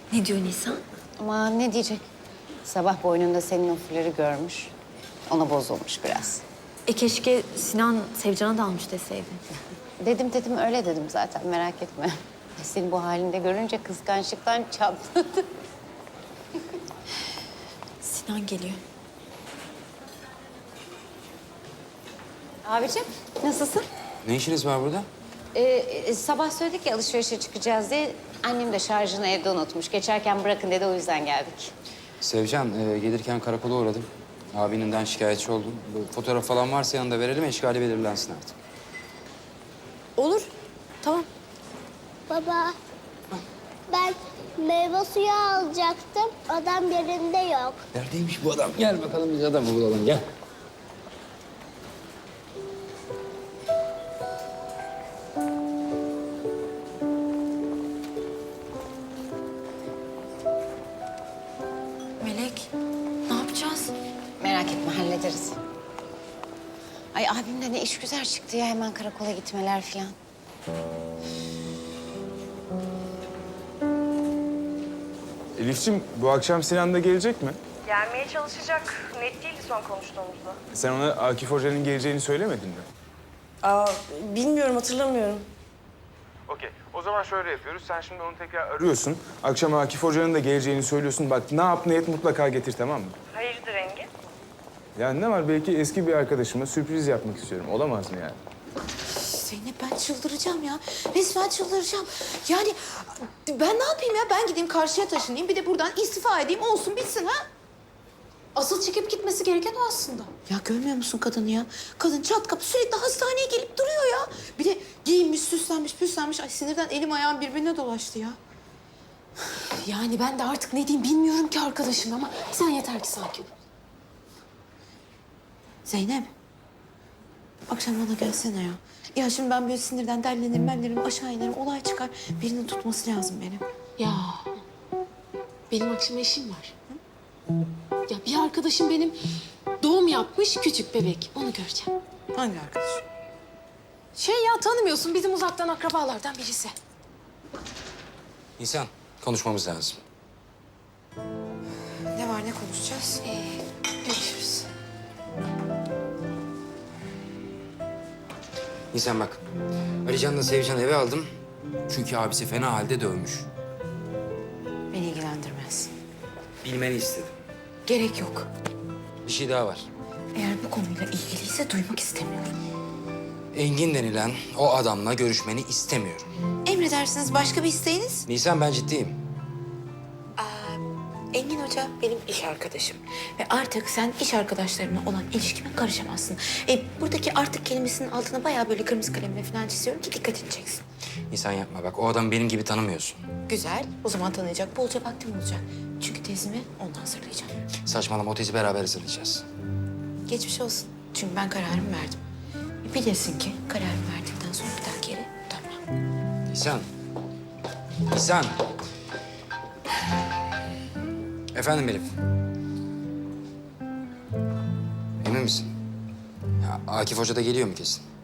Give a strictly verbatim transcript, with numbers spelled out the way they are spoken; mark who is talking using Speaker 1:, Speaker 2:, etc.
Speaker 1: Ne diyor Nisan?
Speaker 2: Ama ne diyecek? Sabah boynunda senin o fuları görmüş. Ona bozulmuş biraz.
Speaker 1: E keşke Sinan Sevcan'a da almış deseydi.
Speaker 2: Dedim dedim öyle dedim zaten merak etme. Seni bu halinde görünce kıskançlıktan çatladı.
Speaker 1: Sinan geliyor.
Speaker 2: Abicim nasılsın?
Speaker 3: Ne işiniz var burada?
Speaker 2: Ee, e, sabah söyledik ya alışverişe çıkacağız diye. Annem de şarjını evde unutmuş. Geçerken bırakın dedi o yüzden geldik.
Speaker 3: Sevcan, e, gelirken karakola uğradım. Abininden şikayetçi oldum. Bu fotoğraf falan varsa yanında verelim, eşkali belirlensin artık.
Speaker 1: Olur. Tamam.
Speaker 4: Baba, ben meyve suyu alacaktım. Adam yerinde yok.
Speaker 3: Neredeymiş bu adam? Gel bakalım biz adamı bulalım, gel.
Speaker 1: Melek, ne yapacağız?
Speaker 2: Merak etme hallederiz. Ay abimde ne iş güzel çıktı ya hemen karakola gitmeler falan.
Speaker 5: Elif'ciğim bu akşam Sinan da gelecek mi?
Speaker 6: Gelmeye çalışacak. Net değildi son konuştuğumuzda.
Speaker 5: Sen ona Akif Hoca'nın geleceğini söylemedin mi?
Speaker 6: Aa, bilmiyorum, hatırlamıyorum.
Speaker 5: Okey. O zaman şöyle yapıyoruz. Sen şimdi onu tekrar arıyorsun. Akşam Akif Hoca'nın da geleceğini söylüyorsun. Bak ne yap ne et mutlaka getir, tamam mı?
Speaker 6: Hayırdır Engin?
Speaker 5: Ya ne var, belki eski bir arkadaşıma sürpriz yapmak istiyorum. Olamaz mı yani?
Speaker 7: Zeynep ben çıldıracağım ya. Resmen çıldıracağım. Yani ben ne yapayım ya? Ben gideyim karşıya taşınayım. Bir de buradan istifa edeyim. Olsun bitsin ha. Asıl çekip gitmesi gereken o aslında. Ya görmüyor musun kadını ya? Kadın çat kapı sürekli hastaneye gelip duruyor ya. Bir de giyinmiş, süslenmiş, püslenmiş. Ay sinirden elim ayağım birbirine dolaştı ya. Yani ben de artık ne diyeyim bilmiyorum ki arkadaşım ama sen yeter ki sakin ol. Zeynep. Akşam bana gelsene ya. Ya şimdi ben böyle sinirden derlenirim, benlerim, aşağı inerim, olay çıkar. Birinin tutması lazım benim.
Speaker 8: Ya benim akşam eşim var. Hı? Ya bir arkadaşım benim doğum yapmış küçük bebek. Onu göreceğim.
Speaker 7: Hangi arkadaş?
Speaker 8: Şey ya tanımıyorsun bizim uzaktan akrabalardan birisi.
Speaker 3: Nisan, konuşmamız lazım.
Speaker 7: Ne var, ne konuşacağız?
Speaker 8: Ee, görüşürüz.
Speaker 3: Nisan bak, Alican'la Sevcan'ı eve aldım. Çünkü abisi fena halde dövmüş.
Speaker 7: Beni ilgilendirmez.
Speaker 3: Bilmeni istedim.
Speaker 7: Gerek yok.
Speaker 3: Bir şey daha var.
Speaker 7: Eğer bu konuyla ilgiliyse duymak istemiyorum.
Speaker 3: Engin denilen o adamla görüşmeni istemiyorum.
Speaker 7: Emredersiniz, başka bir isteğiniz?
Speaker 3: Nisan, ben ciddiyim.
Speaker 7: Engin Hoca benim iş arkadaşım. Ve artık sen iş arkadaşlarımla olan ilişkime karışamazsın. E, buradaki artık kelimesinin altına bayağı böyle kırmızı kalemle falan çiziyorum ki dikkatini çeksin.
Speaker 3: Nisan yapma bak, o adamı benim gibi tanımıyorsun.
Speaker 7: Güzel. O zaman tanıyacak bolca vaktim olacak. Çünkü tezimi ondan hazırlayacağım.
Speaker 3: Saçmalama, o tezi beraber hazırlayacağız.
Speaker 7: Geçmiş olsun. Çünkü ben kararımı verdim. E, bilesin ki kararımı verdikten sonra bir daha geri dönmem.
Speaker 3: Nisan. Nisan. Efendim Elif. Emin misin? Ya, Akif Hoca da geliyor mu kesin?